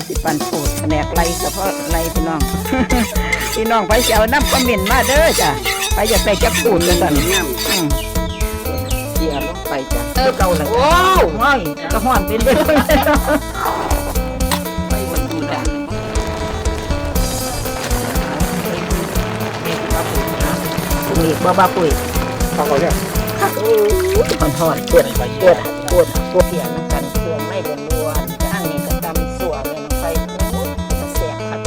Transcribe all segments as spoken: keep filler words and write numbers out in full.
สิปันโผดแผนกไรก็เพราะไรพี่น้อง พี่น้องไปเจ้าน้ำคอมเมนต์มาเด้อจ้ะไปอยากได้จักปูดกันสั่นเสียลงไปจ้ะเออเก่าเลยโอ้ห้อยกระห้อนเป็นเด้อไปบนดูด่างปุ๋ยบ้าบ้าปุ๋ยฟังก่อนเนี่ยโอ้ยหอนหอนปวดปวดปวดปวดเสียงกันเครื่องไม่บนล้วนข้างนี้ก็ตำสัวเมนไฟจะแสบครับ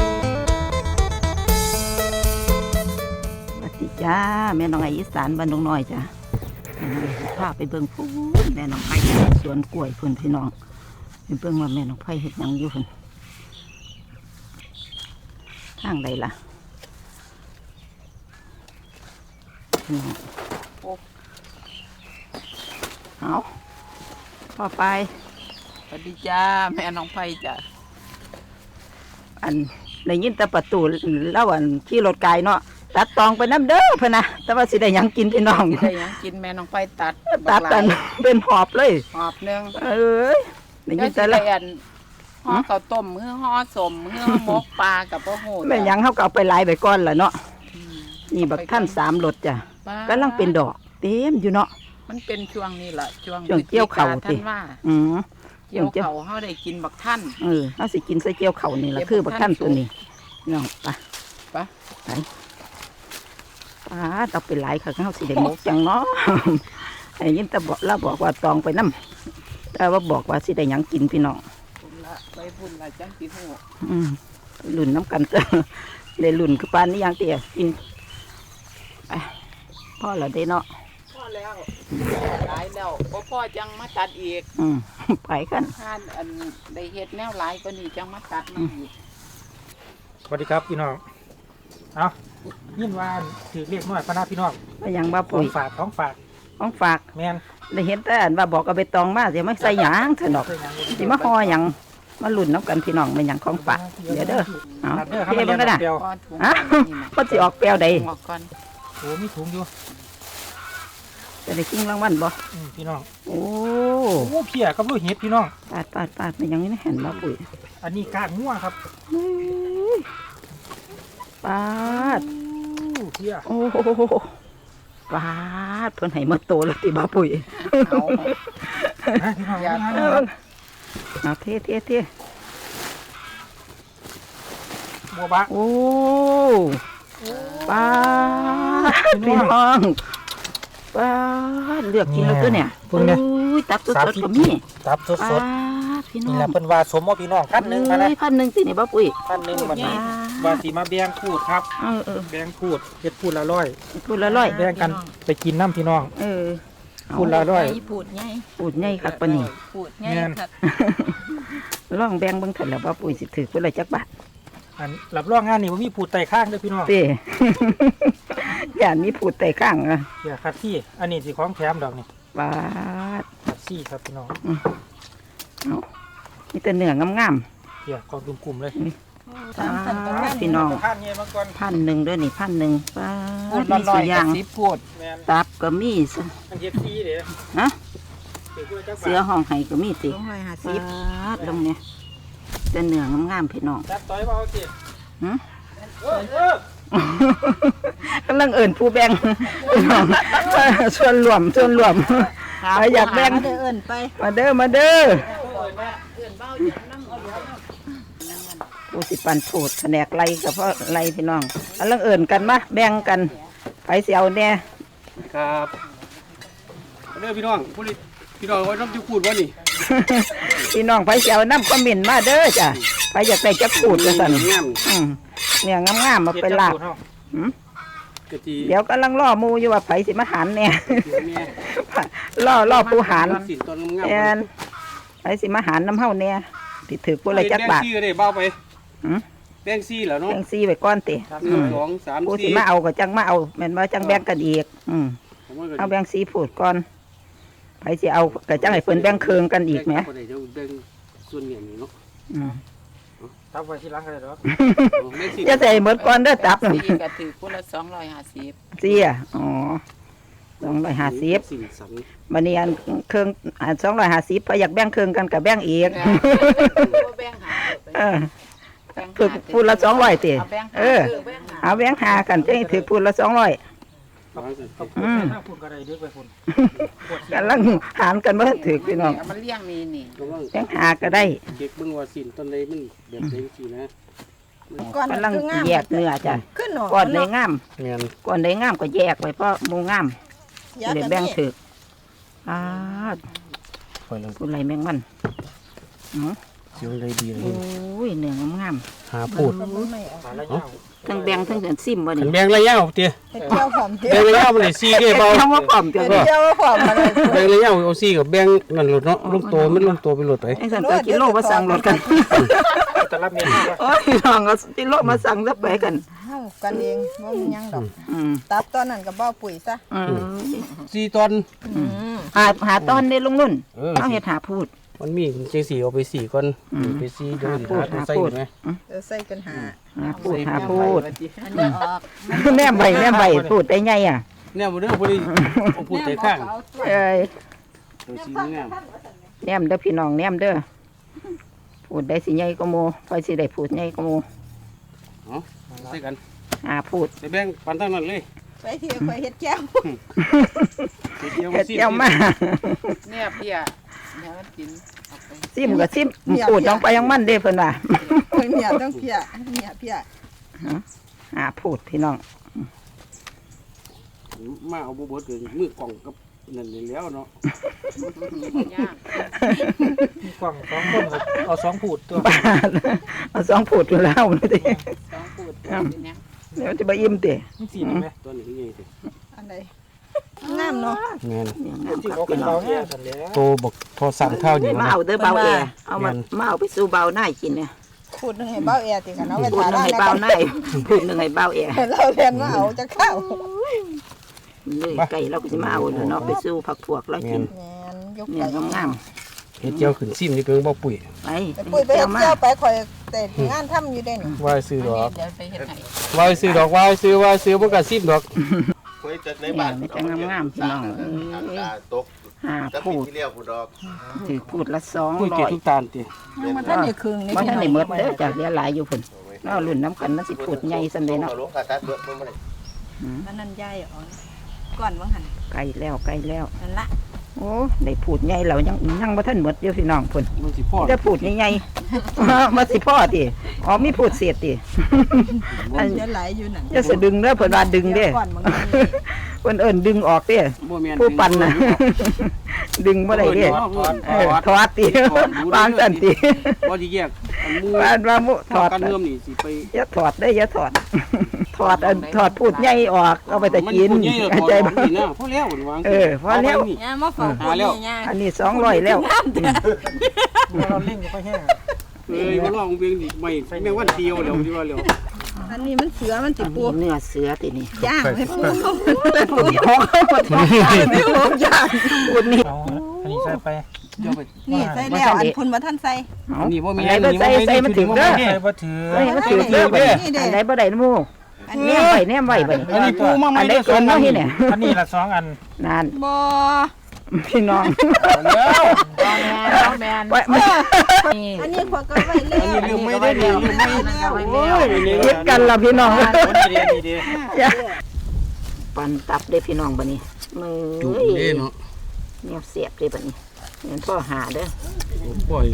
ปฏิจ้าแม่น้องไออีสานบ้านน้องน้อยจ้ะพาไปเบิ่งพูนแม่น้องไผ่สวนกล้วยพุ่นพี่น้องไปเบิ่งว่าแม่น้องไผ่เฮ็ดหยังอยู่พุ่นทางใดล่ะเอาพอไปสวัสดีจ้าแม่น้องไผ่จ้ะอันได้ยินแต่ประตูเล่าอันขี่รถไกลเนาะตัดตองไปน้ำเด้อพะนะแต่ว่าสิได้ยังกินพี่น้องได้ยังกินแม่น้องไผ่ตัดตัดกันเป็นหอบเลยหอบนึงเอ้ยได้ยินแต่ละห่อข้าวต้มเฮือห่อสมเฮือหมกปลากับปลาโหดแม่ยังเขาก็เอาไปไล่ไปก้อนละเนาะนี่บักท่านสามรถจ้ะกำลังเป็นดอกเต็มอยู่เนาะมันเป็นช่วงนี้แหละช่วงช่วงเกี่ยวเข่าท่านว่าอืมเกี่ยวเข่าเขาได้กินบักท่านเออเขาสิกินใส่เกี่ยวเข่านี่แหละคือบักท่านตัวนี้น้องไปไปไปป้าเราเป็นหลายค่ะเขาสิได้มกจังเนาะไอ้ยินแต่บอกเราบอกว่าตองไปน้ำแต่ว่าบอกว่าสิได้ยังกินพี่น้องไปพุ่นละจังสีหูอืมหลุนน้ำกันเตอเลยหลุนคือปานนี้ยังเตี๋ยกินไปพ่อเราได้เนาะพ่อแล้วหลายแล้วพ่อพ่อจังมาตัดอีกอืมไปกันท่านอันได้เฮ็ดแนวหลายก็นี่จังมาตัดมาอีกสวัสดีครับพี่น้องเอายินว่าถือเรียกน้อยพระนาพี่น้องไม่ยังบ้าปุ๋ยฝากของฝากของฝากแมนได้เห็นแต่อันว่าบอกเอาไปตองมาเดี๋ยวไม่ใส่หยางเถอะดอกสิมาห่อหยังมาหลุนน้ำกันพี่น้องเป็นหยังของฝากเดี๋ยวเด้อเอาเทมันก็ได้ฮะก็จะออกแปลวใดโอ้มีถุงอยู่จะได้กินรางวัลบ่พี่น้องโอ้โอ้เพียกับลูกเห็ดพี่น้องปาดปาดปาดเป็นยังนี่เห็นบ้าปุ๋ยอันนี้กากงัวครับปาดเพียโอ้ปาดเพิ่นให้มาโตแล้วติบ้าปุ๋ยเอาเทเทเทบัวบะโอ้ปาดพี่น้องปาดเลือกกินแล้วตัวเนี่ยโอ้ยตับสดๆก็มีตับสดๆพี่น้องนี่แหละเพิ่นว่าสมว่าพี่น้องพันหนึ่งมานะพันหนึ่งสิเนี่ยบ้าปุ๋ยพันหนึ่งวันนี้ว่าสีมาแบ่งพูดครับเออเออแบ่งพูดเฮ็ดพูดละร้อยพูดละร้อยแบ่งกันไปกินน้ำพี่น้องเออพูดละร้อยพูดไงพูดไงครับปะนี่พูดไงครับลองแบ่งเบิ่งเถิดแล้วบ้าปุ๋ยสิถือเพิ่นละจักบาทอันหลับรองงานนี่ว่ามีผูดไต่ข้างด้วยพี่น้องเต้อย่ามีผูดไต่ข้างอ่ะอย่าคัดที่อันนี้สิของแถมดอกนี่บาดคัดซี่ครับพี่น้องเอามีแต่เนื้องามๆเดี๋ยวกองกลุ่มๆเลยพี่น้องพันหนึ่งด้วยนี่พันหนึ่งป้ามีสุยางตับก็มีสิฮะเสือห้องไห้ก็มีสิลงเนี่ยแต่เนื้องามๆพี่น้องจับต่อยเบาสิฮะกำลังเอิ่นผู้แบ่งส่วนรวมส่วนรวมใครอยากแบ่งมาเด้อมาเด้อผู้สิปันโผดแผนกไรกับเพราะไรพี่น้องกำลังเอิ่นกันมาแบ่งกันไปเสียวเนี่ยครับเด้อพี่น้องผู้พี่น้องไว้น้ำจิ้มขูดวะนี่พี่น้องไปเสียวน้ำคอมเมนต์มาเด้อจ้ะไปอยากได้จักขูดกันสั่นเนี่ยงามๆมาเป็นลาบเดี๋ยวกำลังล่อมูอยู่ว่าไผสิมาหันเนี่ยล่อล่อปูหันแอนไผสิมาหันน้ำเฮาเนี่ยติดถือปูอะไรจักบาทแบงซี่ก็ได้เบ้าไปแบงซี่เหรอเนาะแบงซี่ไว้ก้อนติสองสามปูสิมาเอาก็จังมาเอาแม่นว่าจังแบ่งกันอีกเอาแบงซี่พูดก่อนไผสิเอาก็จังให้เพิ่นแบ่งเคืองกันอีกไหมส่วนเหนียวนี่เนาะตับไว้ที่ล้างกันเลยหรอจะใส่หมดก่อนเด้อตับสี่กระถือปูละสองร้อยห้าสิบสี่อ่ะอ๋อสองร้อยห้าสิบบันนี้อันเครื่องอันสองร้อยห้าสิบพออยากแบ่งเครื่องกันกับแบ่งอีกเออถือพูดละสองร้อยตีเออเอาแบงค์หากันจะถือพูดละสองร้อยเอาพูดอืมถ้าพูดก็ได้เดี๋ยวไปพูดกันลังหารกันเมื่อถือพี่น้องมันเลี้ยงนี่นี่แบงค์หาก็ได้เด็กเบิ่งว่าสินต้นใดมันแบบใดสินะก่อนกำลังคืองามแยกเนื้อจ้ะขึ้นหนอก่อนในงามแม่นก่อนในงามก็แยกไว้เพราะหมูงามยาเลยกันแบ่งนี่ถืออ่าคอยเลยพูดอะไรแมงมันอือสิวเลยดีเลโอ้ยยเนื้องามหาพูดไม่เอาปลาละยาวๆทั้งแบ่งทั้งเดือนซิมบ่ขันี่นแบงระยะเอาเตี้ยเฮ็ดเจียวหอมเจีแบยวงระยะมันได้สี่เด้เบาเจ้าว่าพร้อมจะเฮ็ดบ่เจียวหอมอะไรแบงระยะเอาสี่กับแบงนั่นหลดเนาะลงโตมันลงโตไปหลดไปไอ้สันก็กิโลมาสั่งรถกันแต่ละเมนูว่าโอ้ยน้องก็กิโลมาสั่งซะไปกันเฮากันเองบ่มีหยังดอกอืมตับตอนนั้นก็บ่ปุ๋ยซะอืมสี่ตอนอืมหาหาตอนได้ลงนุ่นเออเอาเฮ็ดหาพูดมันมีเจ๊สี่เอาไปสี่ก่อนอืมไปสี่เดี๋ยวหาพูดหาตัวใส่หาพูดไหมเออใส่กันหาหาพูดหาพูดอันนี้ออกแม่ใบแม่ใบพูดได้ไงอ่ะเนี่ยบ่ได้บ่ได้เอาพูดแต่ข้างเอ้ยตัวสีงามแนมเด้อพี่น้องแนมเด้อพูดได้สิใหญ่ก็โมไปสิได้พูดใหญ่ก็โมเนาะใส่กันหาพูดไปแบ่งปันทั้งนั้นเลยไปที่ข่อยเฮ็ดแก้วเฮ็ดเดียวเฮ็ดสิเจียวมาเนี่ยเพียเดี๋ยวมันกินเอาไปซิมก็ซิมพูดยังไปยังมันเด้เพิ่นว่าข่อยเมียต้องเพียเมียเพียหาพูดพี่น้องมาเอาบ่เบิดเลยมือกล่องกับนั่นนี่แล้วเนาะย่างมีกล่องสองคนก็เอาสองพูดตัวบาทเอาสองพูดอยู่แล้วนี่ติสองปูดเป็นยังเดี๋ยวจะไปอิ่มตินี่สีนี่ไหมตัวนี้คือไงสิอันใดงามเนาะแม่นเนี่ยงามที่คัเขากเป็พี่นน้อเรางเนี่ยสันแล้วโตบักทอสั่งข้าวนี่มานะเอาเด้อเบาแอเอามามาเอาไปสู่เบาหน้ากินเนี่ยพูดหนึงให้เบ้าแอร์ติกันเอาไปพูดทาหนึงร้านให้แล้วเบาหน้าพูดหนึงให้เบาแอเราเรียนว่าเอาจะเข้าเลยไก่เราก็สิมาเอาแล้วเนาะไปสู่ผักพวกเรากินแม่นยกเนี่ยไก่งามเฮ็ดเจียวขึ้นซิมนี่เพิ่งบ่ปุ๋ยๆไปไปปุ้ยไปเจีเฮ็ยวดมาเจียวไปข่อยแต่งานทำอยู่ได้นี่ว่าซื้อดอกเดี๋ยวไปเฮ็ดให้ว่าซื้อดอกว่าซื้อว่าซื้อบ่ก็ซิมดอกคุยจัดในเนี่ยบ้านมันจะงามๆพี่น้องเอ้ทางยตาตกหาจะพูปีดที่เรียกผู้ดอกถือพูดละสองปุ๋ยร้เก็อบ ยทุกตาลติยังมาท่านได้ครึ่งนี่ว่าพี่ท่านน้ได้องหมดเด้อจ้ะเหลือหลายอยู่พุ่นเนาะรุ่นน้ำกันมันสิพูดใหญ่ซั่นเด้เนาะลงกระตัดเบิดมันบ่ได้มันนั่นยายอ๋อก่อนว่าหั่นไกลแล้วไกลแล้วนั่นละโอ้ได้พูดใหญ่แล้วยังยังบ่ทันหมดอยู่พี่น้องพุ่นมันสิพอจะพูดใหญ่ๆ มาสิพ่อติอ๋อมีพูดเสียติ อันเดี๋ยวไหลอยู่นั่นจะสะดึงเด้อเพิ่นว่าดึงเด้ก่อนบางทีเพิ่นเอิ้นดึงออกเด้บ่แม่นผู้ปั่นน่ะ ดึงบ่ได้เด้เออถอดติวางซั่นติบ่สิแยกอันหมู่ว่าว่ามุถทออดดกันเริ่มนี่สิไปอย่าถอดได้ออย่าถอด ถอดอันถอดพูดใหญ่ออกเอาไปแต่กินมัใหญ่แล้วถอดใจอบ่อกนี่นะพอแล้วมันวางเออพอแล้วเาไปนี่ย่ามาเฝ้าคนนี่ย่าอันนี้สองร้อยแล้วเราเล่งก็ค่อยแห้งเลยมาลองเพียงดิไม่แม่งวันเดียวแล้วที่ว่าแล้วอันนี้มันเสือมันติอันปูนี้เนื้อเสือตินี่ย่างให้ปูพูดหอกพูดหอกไม่หอกย่างพูดนี่เอาอันนี้ใส่ไปเดี๋ยวไปนี่ใส่แล้วอันพุ่นมาท่านใส่เอาอันนี้บ่มีอันไหนบ่ใส่ใส่มันถึงเด้อใส่บ่ถือใส่มันถึงเด้อบัดนี้อันไหนบ่ได้หมู่อันแนนี้มไว้แนมไว้บัดนี้อันนี้ปูมาใหม่อันใดเกินเนาะเฮ็ดเนี่ยอันนี้ละสองอันนั่นบ่พี่น้องแล้วเอาแมนไว้มันนี่อันนี้ขวดก็ไว้แล้วอันนี้ลืมไม่ได้ลืมไม่แล้วโอ้ยนี่คิดกันล่ะพี่น้องนี่ดีนี่ดีอย่าปั่นตับเด้อพี่น้องบัดนี้มือจุดนี่เนาะแนวเสียบเด้อบัดนี้เงินพ่อหาเด้อปล่อย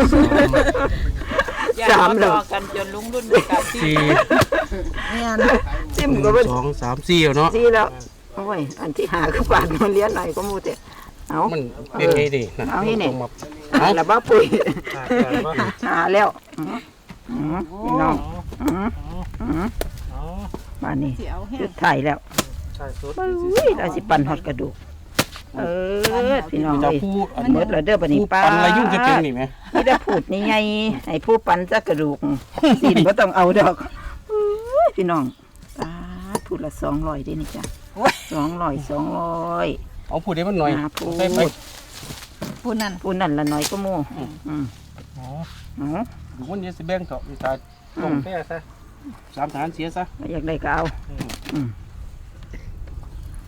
ย่างรอกันจนลุงรุ่นกับที่สี่เนี่ยจิ้มก็บ่สองสามสี่เนาะซีแล้วโอ้ยอันที่หาคือบาทมันเลี้ยนหน่อยก็มูแต่เอามันเป็นไงดิเอาให้เนี่ยเอาแล้วบ้าปุ๋ยอ่าแต่ว่าหาแล้วอืออือพี่น้องอืออืออ๋อมานี่เสียวแห้จุงดถ่ายแล้วใส่สุดอุ้ยเราสิปั่นฮอดกระดูกเออพี่น้องจะเอ้ยพูดหมดแล้วเด้อบัดนี้ปันอะไรยุ่งจะเป็นนี่ไหมนี่ได้พูดนี่ไงให้ผู้ปั่นจักกระดูกสินบ่ต้องเอาดอกอุ้ยพี่น้องปาดพูดละสองร้อยเด้นี่จ้ะสองร้อยสองร้อยเอาพูดได้มันหน่อยหาพูดใส่ไปปูนั่นพูดนั่นละน้อยก็โม่อืมอ๋อเอาดูมันจะสิแบ่งเถอะมีตาต้มแป้ซะสามฐานเสียซะอยากได้ก็เอาอืม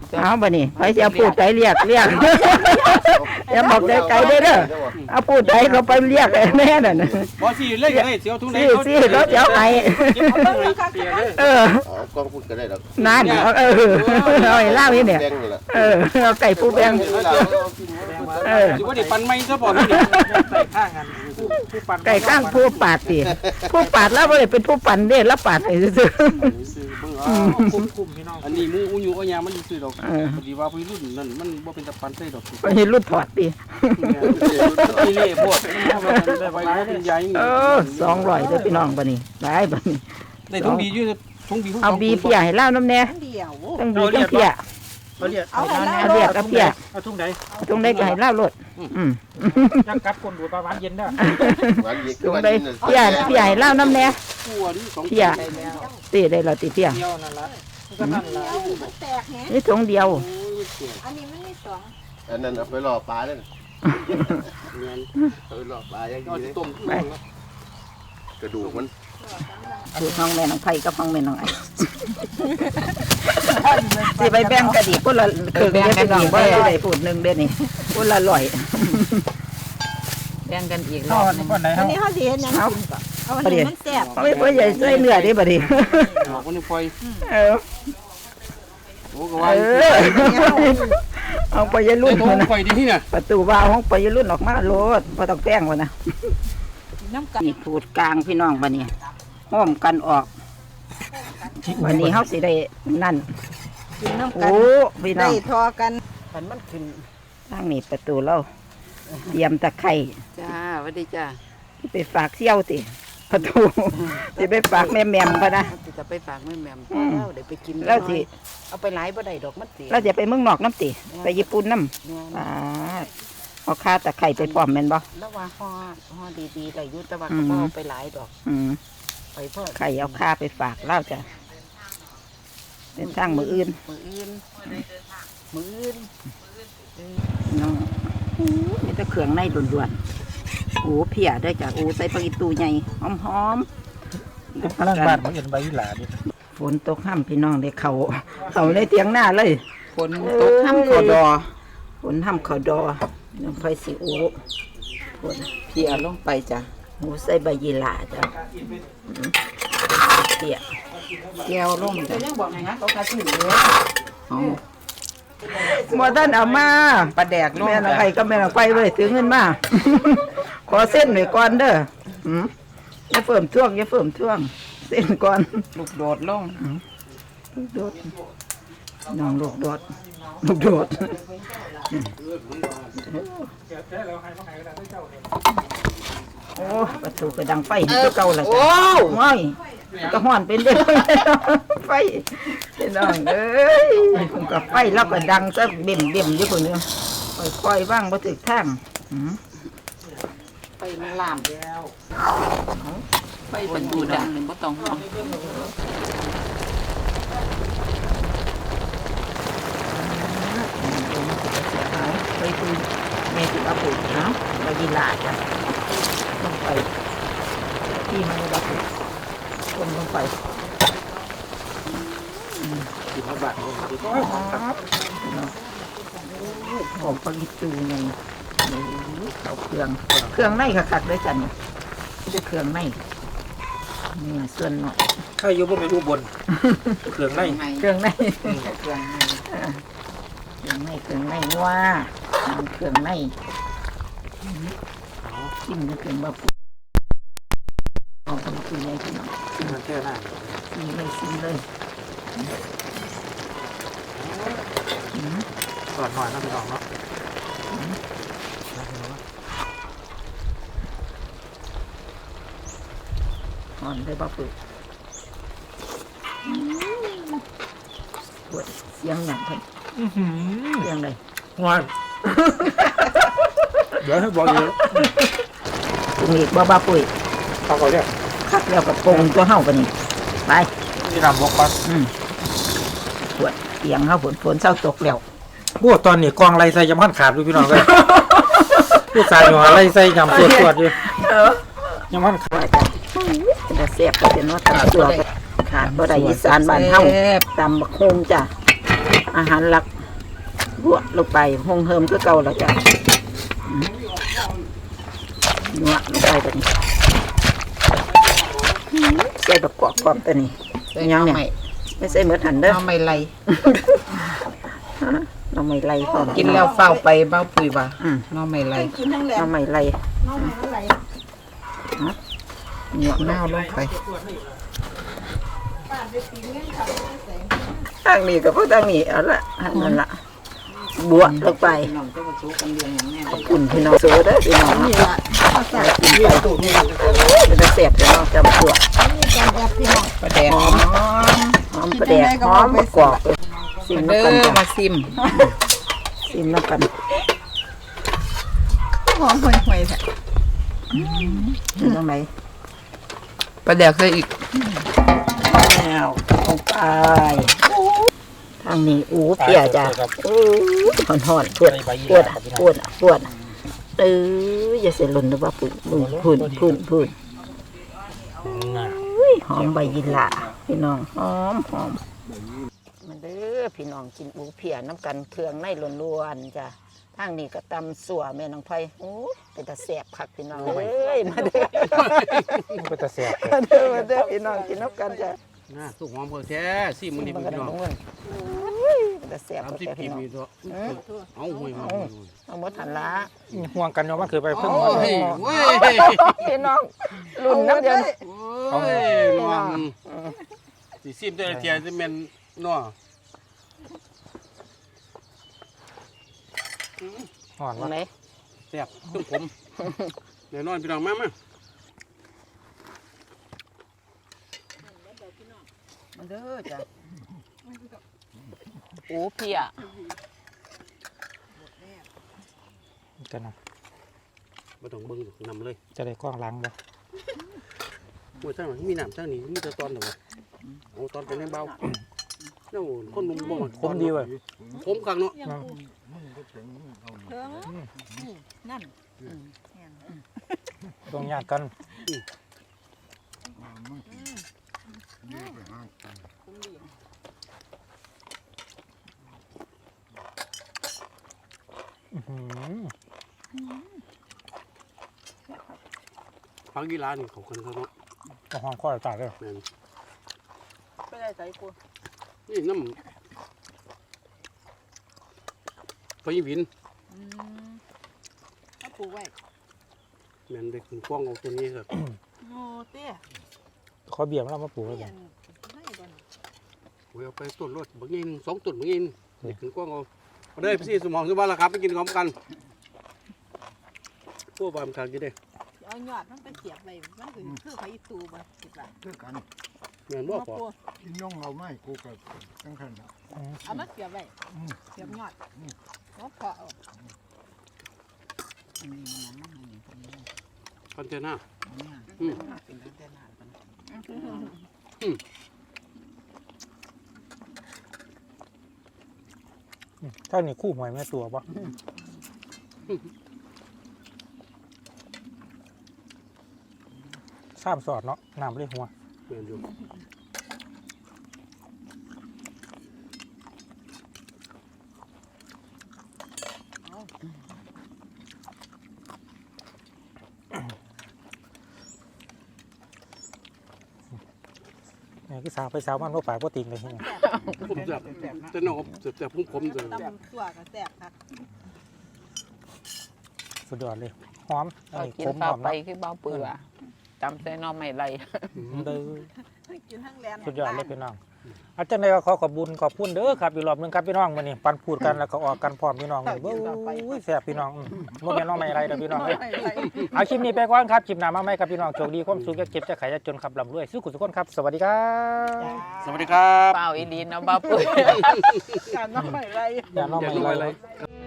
เอาบ่นี่ไปสิเอาปูดใจเรียกเรียกอย่าบอกใจไกลเด้อเด้อเอาปูดใจเขาไปเรียกแม่นั่นน่ะบ่สิเล่นก็ได้เสียวทุ่งไหนสิสิแล้วจะเอาให้เอออ๋อกองพูดก็ได้ดอกนั่นเอาเออเอาให้เล่านี่เนี่ยแดงนี่แหละเออเอาไก่ปูแบงเออสิว่าได้ปันไม้ซะบ่นี่ใส่ข้างกันผู้ผู้ปั่นไก่ข้างผู้ปาดสิผู้ปาดแล้วบ่ได้เป็นผู้ปั่นเด้แล้วปาดให้ซื่อคุ้มคุ้มพี่น้องอันนี้มูอูอยู่ก็ยามันซื้อดอกเออพอดีว่าพี่รุ่นนั่นมันบ่เป็นตะปันใส่ดอกๆไปเห็นรุ่นถอดตินี่เล่พวกได้ไว้เป็นใหญ่เออสองร้อยเด้อพี่น้องบัดนี้ได้บัดนี้ได้ทุ่งบีอยู่ทุ่งบีเอาบีเพียให้เล่าน้ำแน่เดียวต้องบีต้องเพียเขาเรียกเอาให้เอาเรียกเอาเพียเอาทุ่งใดตรงได้ก็ให้เล่าโลดอืมยังกัดคนดูปลาหวานเย็นได้หวานเย็นตรงได้เพียเพียให้เล่าน้ำแน่ตัวนี่สองเพียตีได้แล้วติเพียเดียวนั่นละก็นั่นละมันแตกแฮะนี่ถุงเดียวอันนี้มันมีสองอันนั้นเอาไปล่อปลาเลยเอาไปล่อปลาอย่างเอานี้ต้มกระดูกมันสูตรน้องแม่น้องไผ่กับน้องแม่น้องไอ้สิไปแบ่งกันอีกคนละครึ่งเด้อพี่น้องบ่ได้พูดหนึงเด้อนี่คนละร้อยแบ่งกันอีกรเอาอบอันหนึนี้งก่อนไหนอัเขานนี้เขาสิเฮ็ดหยังกินก่อนเอาอันนี้มันแซ่บเอาไปบ่ใหญ่ใส่เนื้อดิบัดนี้ดอกมันไฟเออโอ้ก็เอว่าอเอาไปยรุ่นต้พุ่นมนะไฟดีนี่น่ะประตูวาวของไปยรุ่นออกมาโลดบ่ต้องแป้งวะนะน้ำกันนี่ขูดกลางพี่น้องบัดนี้ห้อมกันออกวันนี้เฮาสิได้นั่นกินน้ำกัโอ้นพี่น้ได้องทอกันขันมันขึ้นทางนี้ประตูเราเตรียมตะไคร้จ้าสวัสดีจ้าที่ไปฝากเสี่ยวติประตูสิไปฝากแม่แหม่มพะนะจะไปฝากแม่แหม่มอืมแล้วเดี๋ยวไปกินแล้วสิเอาไปหลายบ่ได้ดอกมันเสียเราจะไปเมืองนอกน้ำติไปญี่ปุ่นน้แม่นำอ่าเอาค่าตะไคร้ไปพร้อมแม่นบ่แล้วว่าห่อห่อดีๆได้อยุตะวันอืก็มบ่เอาไปหลายดอกอืมไปเพื่อไข่เอาค่าไปฝากเล่าจ้ะเป็นทางมืออื่นมืออื่นมืออื่นน้องมีแต่เครื่องในด่วนๆโอ้เพียได้อจ้ะโอ้ใส่ปลาอีตูใหญ่หอมๆพลังบ้านเขาเห็นใบยี่หลาดิฝนตกห้ำพี่น้องได้เขาเขาในเตียงหน้าเลยฝนตกห้ำเขาดอฝนห้ำเขาดอน้องไฟสิโอ้ฝนเพียลงไปจ้ะโอ้ใส่ใบยีหร่าจ้ะอืมเปียแก้วลงจ้ะยังบอกไงฮะเขากระถิ่นเลยหมอท่านเอามาปลาแดกลงแม่น้องไฟก็แม่น้องไฟไว้ถือเงินมา ขอเส้นหน่อยก่อนเด้ออืมอย่าเฟิ่มท่วงอย่าเฟิ่มท่วง เส้นก่อนลูกโดดลงลูกโดดน้องลูกโดดลูกโดดโอ้ประตูกระดังไฟนี่ก็เก่าละจ้ะไม่ก็ห่อนเป็นเด้อไฟพี่น้องเอ้ยกับไฟแล้วก็ดังซะเบิ่มเบิ่มอยู่คนเดียวค่อยๆว่างบ่ถึกทางอืมไปมันลามไปประตูดังหนึ่งบ่ต้องห่วงไปคุยแม่ติดอาปุ๋ยเนาะไปยีหลาจ้ะต้องไปที่มันจะปุ๋ยลงลงไปสิบห้าบาทของปลาลิตูไงเขาเครื่องเครื่องในคักๆด้วยกันจะเครื่องในนี่ส่วนหน่อยใครอยู่บนเป็นอุบลเครื่องในเครื่องในเครื่องในเครื่องในเครื่องในว่าเครื่องในกินก็เครื่องแบบของปลาลิตูไงพี่น้องมันแค่หน้าซีเลยซีเลยก่อนหน่อยนะพี่น้องเนาะอ่อนเลยบ้าปุ๋ยปวดเสียงอย่างเพิ่นเสียงเลยงานเดี๋ยวให้บอกอยู่ปรุงอีกบ้าบ้าปุ๋ยเขาเขาเรียกคักแล้วกับปรุงตัวเฮาปะนี่ไปนี่นำบอกปัสอืมปวดเสียงเฮาฝนฝนเศร้าตกแล้วพวกตอนนี้กองไรใส่ยำพันขาดดูพี่น้องเลยผู้ชายอยู่อะไรใส่ยำปวดปวดอยู่เออยำพันขาดจะเสียบก็จะนวดตำตัวก็ขาดบ่ได้อีสานบ้านเฮาตำบักฮงจ้ะอาหารหลักบวกลงไปหงเฮิมคือเก่าแล้วจ้ะนัวลงไปแบบนี้ใส่แบบกรอบๆตัวนี้ยังเนี่ยไม่ใส่เหมือนหันเด้อน้ำไม่ไหลเราไม่ไล่พร้อมกินแล้วเฝ้าไปเบ้าปุ๋ยว่ะอืมน้ำไม่ไหลกินทั้งแหลเรามไม่ไล่น้องมันอะไรเนาะน้าลงไปป้าไปตีเงี้ยเขาใส่ทางนี้กับพวกทางนี้เอาละอันนั่นละบวกลงไปน้องจะมาสู้กันเรื่องอย่างแน่ขอบคุณพี่น้องสู้เด้อพี่น้องนี่เนาะละใส่กินไปเป็นตะเสียบพี่น้องจำตัวนี่การแบบพี่น้องประแดงหอมหอมประเดกหอมกรอบซิมเด้น้ำกันอจ้ะมาซิมซิมน้ำกันหอมห่วยๆแท้อยู่ตรงไหนประแดกใส่อีกแล้วลงไปทางนี้อู้เปียจ้ะอู้หอนหอนๆปวดปวดอะปวดอะปวดอะเอออย่าเสียหล่นนะว่าปุ่นปุ่นปุ่นปุ่นปุ่นอุ้ยหอมใบยินละพี่น้องหอมหอมมาเด้อพี่น้องกินอูเพียน้ำกันเครื่องในล้วนๆจ้ะทางนี้ก็ตำสัวแม่น้องไผ่โอ้ยเป็นตาแสบคักพี่น้องเอ้ยมาเด้อเป็นตาแซ่บมาเด้อมาเด้อพี่น้องกินน้ำกันจ้ะน่าสุกหอมเพิ่นแท้สิมื้อนี้มันพี่ก็น้องต้องเงินอุ้ยเป็นตาแสบสามคักสิบแท้กิพี่โลน้องนี่ตัวเอาห่วยมาเอาหมดหันละห่วงกันเนาะมันคือไปเพิ่งโอ้ยโอ้ยพี่น้องรุ่นน้ำเดียวโอ้ยน้องสิซิมแต่ละเทียสิแม่นเนาะห่อนตรวะงไหนแซ่บตุ้มผมแน่นอนพี่น้องมามามาเด้อจ้ะอูเพียกันนะบ่ต้องเบิ่งนำเลยจะได้กล้องล้างบ่โอ้ยทางมีน้ำทางนี้มีแต่ตอนเด้อเอาตอนไปในเบาเนาะคนหนุ่มบ่คมดีเว้ยผมคักเนาะยังกูเถิงนี่นั่นต้องญาติกันอื้อหือพักกีฬานี่เขากันเขาเนาะเอาห้องข้อตายเลยแม่นไปได้ใส่กูนี่น้ำไปวินอืมเอาปลูกไว้แม่นได้ขึ้นกล้องเอาตัวนี้ครับโอ้เตี้ยขอเบียร์มาแล้วมาปลูกเลยเตี้ยบ่ไม่บ่นโอ้ยเอาไปต้นรถบางยินสองต้นบางยินได้ขึ้นกล้องเอาเอาได้พี่สมองสมบัติละครับไปกินพร้อมกันพวกบามทางกี่ได้เอายอดมันไปเสียบไว้มันคือคือไผตูบ่คิดว่าคือกันแม่นบ่พอกินน้องเอาไม่กูก็ตั้งคันละเอามาเสียบไว้เสียบยอดแล้วพอเอาคอนเทนเนอร์ถ้านี่คู่หวยแม่ตัวบ่สามสอดเนาะน้ำเลยหัวแม่นอยู่นี่คือสาวไปสาวมันบ่ปากบ่ติงเลยที่นี่ผมจับแต่น้องจับจับผมผมจะตำตัวก็แซ่บครับสุดยอดเลยหอมอันเอานี้กินขมหเฝ้าอมไปเนาะคือเบ้าปุ๋ยว่ะจำใส่น้ำไม่ไหลเด้อกินทั้งแลนสุดยอดเลยพี่น้องอาจารย์ได้ก็ขอขอบคุญขอบคุณเด้อครับอีกรอบหนึงครับพี่น้องมื้อนี้ปันพูดกันแล้วก็ออกกันพร้อมพี่น้องเลยเบ้ยแซ่บพี่น้องอืมบ่แม่นน้องไม่อะไรเด้อพี่น้องเอ้ยเอาคลิปนี้ไปก่อนครับคลิปหน้ามาใหม่ครับพี่น้องโชคดีความสุขอย่าเก็บจะขายจะจนครับร่ำรวยสู้กุศลคนครับสวัสดีครับสวัสดีครับเปล่าอีดีนะเบ้าปุ๋ยการน้องไม่ไรอย่าน้องอย่าไม่น้อยอะไรเลย